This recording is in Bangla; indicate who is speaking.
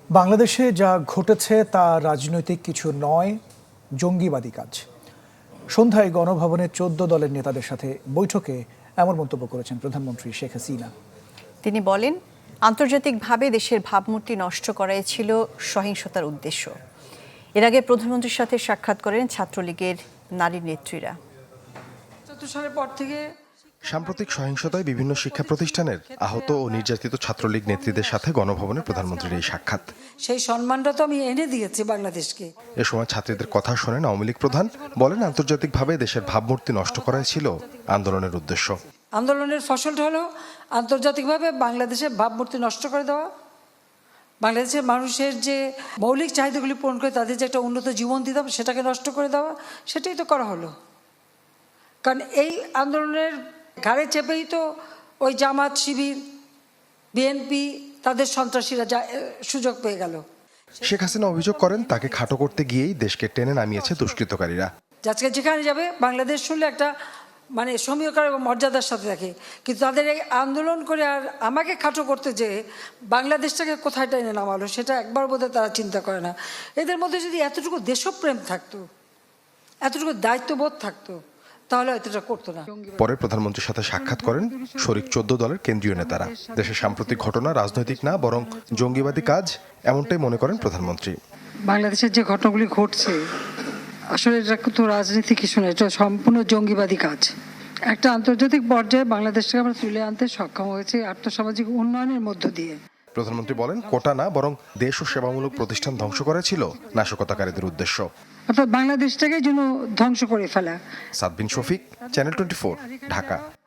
Speaker 1: বাংলাদেশে যা ঘটেছে তা রাজনৈতিক কিছু নয়, জঙ্গিবাদী কাজ। সন্ধ্যায় গণভবনে 14 দলের নেতাদের সাথে বৈঠকে এমন মন্তব্য করেছেন প্রধানমন্ত্রী শেখ হাসিনা।
Speaker 2: তিনি বলেন, আন্তর্জাতিকভাবে দেশের ভাবমূর্তি নষ্ট করাই ছিল সহিংসতার উদ্দেশ্য। এর আগে প্রধানমন্ত্রীর সাথে সাক্ষাৎ করেন ছাত্রলীগের নারী নেত্রীরা।
Speaker 3: সালের পর থেকে
Speaker 4: সাম্প্রতিক সহিংসতায় বিভিন্ন শিক্ষা প্রতিষ্ঠানের আহত ও নির্যাতিত ছাত্রলীগ নেত্রীদের সাথে গণভবনে প্রধানমন্ত্রীর এই সাক্ষাৎ।
Speaker 3: সেই সম্মানটা তো আমি এনে দিয়েছি বাংলাদেশকে।
Speaker 4: এ সময় ছাত্রীদের কথা শোনেন আওয়ামী লীগ প্রধান, বলেন আন্তর্জাতিকভাবে দেশের ভাবমূর্তি নষ্ট করাই ছিল আন্দোলনের উদ্দেশ্য।
Speaker 3: আন্দোলনের ফসলটা হলো আন্তর্জাতিকভাবে বাংলাদেশের ভাবমূর্তি নষ্ট করে দেওয়া, বাংলাদেশের মানুষের যে মৌলিক চাহিদাগুলি পূরণ করে তাদের যে একটা উন্নত জীবন দিতে হবে সেটাকে নষ্ট করে দেওয়া, সেটাই তো করা হলো। কারণ এই আন্দোলনের ঘাড়ে চেপেই তো ওই জামাত, শিবির, বিএনপি তাদের সন্ত্রাসীরা সুযোগ পেয়ে গেল।
Speaker 4: শেখ হাসিনা অভিযোগ করেন তাকে খাটো করতে গিয়েই দেশকে টেনে নামিয়েছে দুষ্কৃতকারীরা।
Speaker 3: আজকে যেখানে যাবে বাংলাদেশ শুনলে একটা সমীকরণ এবং মর্যাদার সাথে থাকে, কিন্তু তাদের এই আন্দোলন করে আর আমাকে খাটো করতে যে বাংলাদেশটাকে কোথায় টেনে নামালো সেটা একবার বোধহয় তারা চিন্তা করে না। এদের মধ্যে যদি এতটুকু দেশপ্রেম থাকতো, এতটুকু দায়িত্ববোধ থাকতো, তাহলে এতটা করতো না।
Speaker 4: পরে প্রধানমন্ত্রীর সাথে সাক্ষাৎ করেন শরিক 14 দলের কেন্দ্রীয় নেতারা। দেশের সাম্প্রতিক ঘটনা রাজনৈতিক না বরং জঙ্গিবাদী কাজ, এমনটাই মনে করেন প্রধানমন্ত্রী।
Speaker 3: বাংলাদেশের যে ঘটনাগুলি ঘটছে আসলে এটা তো রাজনীতি কিছু না, এটা সম্পূর্ণ জঙ্গিবাদী কাজ। একটা আন্তর্জাতিক পর্যায়ে বাংলাদেশকে আমরা তুলে আনতে সক্ষম হয়েছে আর্থসামাজিক উন্নয়নের মধ্য দিয়ে।
Speaker 4: প্রধানমন্ত্রী বলেন, কোটা না বরং দেশ ও সেবামূলক প্রতিষ্ঠান ধ্বংস করা ছিল নাশকতাকারীদের উদ্দেশ্য।
Speaker 3: অর্থাৎ বাংলাদেশটাকে যেন ধ্বংস করে ফেলা।
Speaker 4: সাদবিন শফিক, চ্যানেল 24, ঢাকা।